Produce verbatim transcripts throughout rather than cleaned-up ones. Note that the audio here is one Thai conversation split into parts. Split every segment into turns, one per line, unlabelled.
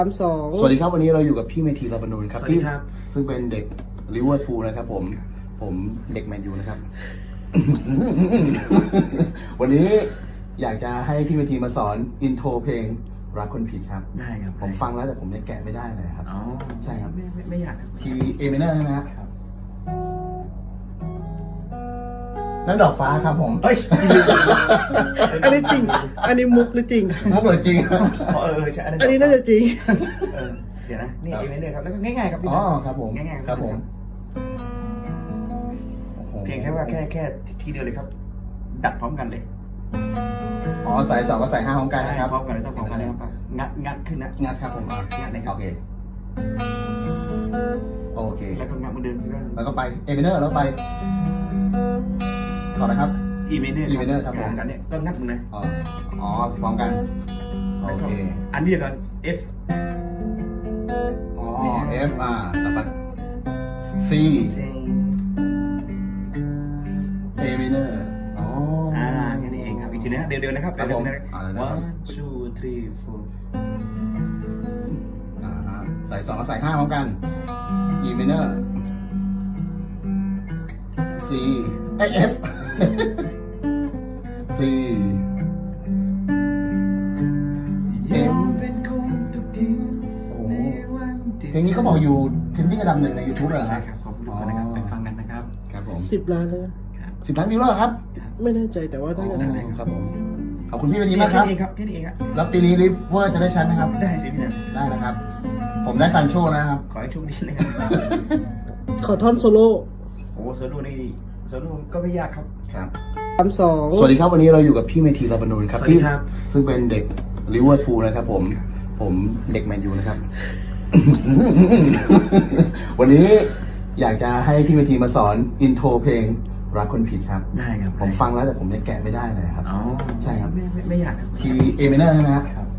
สามสอง
สวัสดีครับวันนี้เราอยู่กับพี่เมธีลาบานูนครับ
สวัสดีครับ
ซึ่งเป็นเด็กลิเวอร์พูลนะครับผมผมเด็กแมนยูนะครับ วันนี้อยากจะให้พี่เมธีมาสอนอินโทรเพลงรักคนผิดครับ
ได้ครับ
ผมฟังแล้วแต่ผมยังแกะไม่ได้เลยครับ
อ๋อ
ใช่ครับ
ไม่ไม่ไม่อยากครับ
ทีเอเมเนอร์ใช่ไหมครับนั่นดอกฟ้าครับผม
เฮ้ย
อันนี้จริง อันนี้มุกหรือจริง
มุกเลยจริง
อ๋อเออเออใช่
อันนี้น่าจะจริง
เออเดี๋ยวนะนี่เอเมเนอร์ครับแล้วก็ง่ายๆครับพี่
อ๋อ
นะครับ
ผม
ง่ายๆ
ครับผมโอ้โห
เพียงแค่ว่าแค่แค่ทีเดียวเลยครับ ดัดพร้อมกันเลย
อ๋อสายสองกับสายห้าพร้อมกันนะครับ
พร้อมกันเลยต้องพร้อมกันเลยครับงัดงัดขึ้นนะ
งัดครับผมอ่ะ
งัดเลยครับ
โอเคโอเค
แล้วก็งัดเหมือนเดิมแล้ว
แล้วก็ไปเอเมเนอร์แล้วไปขอนะครับ
อีเมเนอร์
อีเมเนอร์ครับผม
กันเนี่ยก็งัดเหมือนเลย
อ๋ออ๋อพร้อมกันโอเค
อันนี้ก่อน F
อ๋อ F อ่าต่อไป C
เซ็ง
A minor อ๋อ
อ่าแค่นี้เองครับอีกทีนะเดี๋ยวเดี๋ยวนะครับ
ครับผม
เดี๋ยว
อ่า
ๆ
ได้ครับ
one two three four
อ่าใส่สองกับใส่ห้าพร้อมกัน E minor C เอ้ย F C
ยังเป็นคนทุกที
โอ้โหเพลงนี้เขาบอกอยู่เทรนดิ้งอันดับหนึ่งใน YouTube เลยเหรอ
ใช่
ครับ
ครับขอบคุณทุกคนนะครับไปฟังกันนะครับ
ครับผม
สิบล้านเลย
ครับ
สิบล้านวิวแล้วเหรอครับ
ไม่แน่ใจแต่ว่า
อ๋
น่าจะ
อ
ได้
ครับผมขอบคุณพี่วันนี้มากครับ
แนี้เองครับแค่นี้เองครับ
แล้วปีนี้ลิฟเวอร์จะได้ใช้ไหมครับ
ได้สิพี่นัน
ได้นะครับ ผมได้ฟันโชว์นะครับ
ขอให้โชคดีนะครับ
ขอท่อนโซโล่
โอ้โซโล่นี่โซโล่ก็ไม่ยากครับ
ครับ
สามสอง
สวัสดีครับวันนี้เราอยู่กับพี่เมธีลาบานูนครับ
สวัสดี
พี่
ครับ
ซึ่งเป็นเด็กลิเวอร์พูลนะครับผมผมเด็กแมนยูนะครับ วันนี้อยากจะให้พี่เมธีมาสอนอินโทรเพลงรักคนผิดครับ
ได้ครับ
ผมฟังแล้วแต่ผมยังแกะไม่ได้เลยครับ
อ๋อ
ใช่ครับ
ไม่ไม่ไม่อยากครับ
ทีเอเมเนอร์ใช่ไหมครับ
ครับ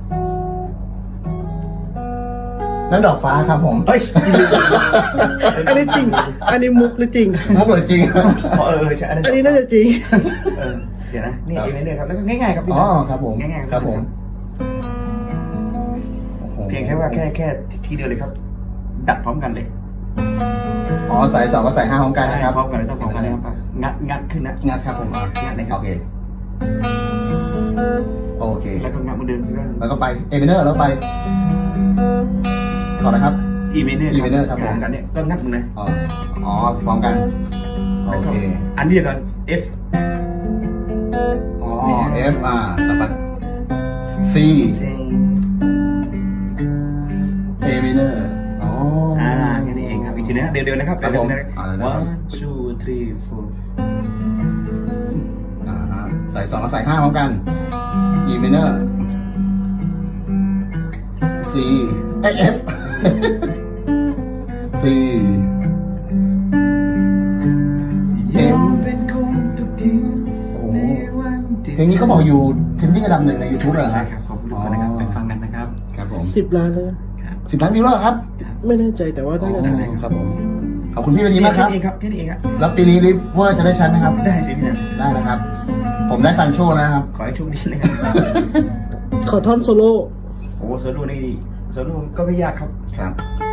นั่นดอกฟ้าครับผม
เฮ้ย
อันนี้จริง อันนี้มุกหรือจริง
มุกเลยจริง
อ๋อเออเออใช่
อันนี้น่าจะจริง
เออเดี๋ยวนะนี่เอเมเนอร์ครับแล้วก็ง่ายๆครับพี่
อ๋อ
นัน
ครับผม
ง่ายๆ
ครับผมโอ้โห
เพียงแค่ว่าแค่แค่ทีเดียวเลยครับ ดัดพร้อมกันเลย
อ๋อสายสองกับสายห้าพร้อมกันนะครับ
พร้อมกันเลยต้องพร้อมกันเลยครับงัดงัดขึ้นนะ
งัดครับผมอ่ะ
งัดเลยครับ
โอเคโอเค
แล้วก็งัดเหมือนเดิมแล้ว
แล้วก็ไปเอเมเนอร์แล้วไปขอนะครับ
อีเมเนอร์
อีเมเนอร์ครับผม
กันเนี่ยก็งัดเหมือนเลย
อ๋ออ๋อพร้อมกันโอเค
อันนี้ก่อน F
อ๋อ F อ่าต่อไป C
เซ็ง
A minor อ๋อ
อ่าแค่นี้เองครับอีกทีนะเดี๋ยวเดี๋ยวนะครับ
ครับผม
เดี๋ยว
อ่า
ๆ
ได้ครับ
one two three four
อ่าใส่สองกับใส่ห้าพร้อมกัน E minor C เอ้ย F C
ยังเป็นคนทุกที
โอ้โหเพลงนี้เขาบอกอยู่เทรนดิ้งอันดับหนึ่งใน YouTube เลยเหรอ
ใช่ครับขอบคุณทุกคนนะครับไปฟังกันนะครับ
ครับผม
สิบล้านเลย
ครับ
สิบล้านวิวแล้วเหรอครับ
ไม่แน่ใจแต่ว่าน่าจะได้
อ๋อครับผมขอบคุณพี่วันนี้มากครับ
แนี้เองครับแค่นี้เองครับ
แล้วปีนี้ลิฟเวอร์จะได้ใช้ไหมครับ
ได้สิพี่นัน
ได้นะครับ ผมได้ฟันโชว์นะครับ
ขอให้โชคดีนะครับ
ขอท่อนโซโล่
โอ้โซโล่นี่โซโล่ก็ไม่ยากครับ
ครับ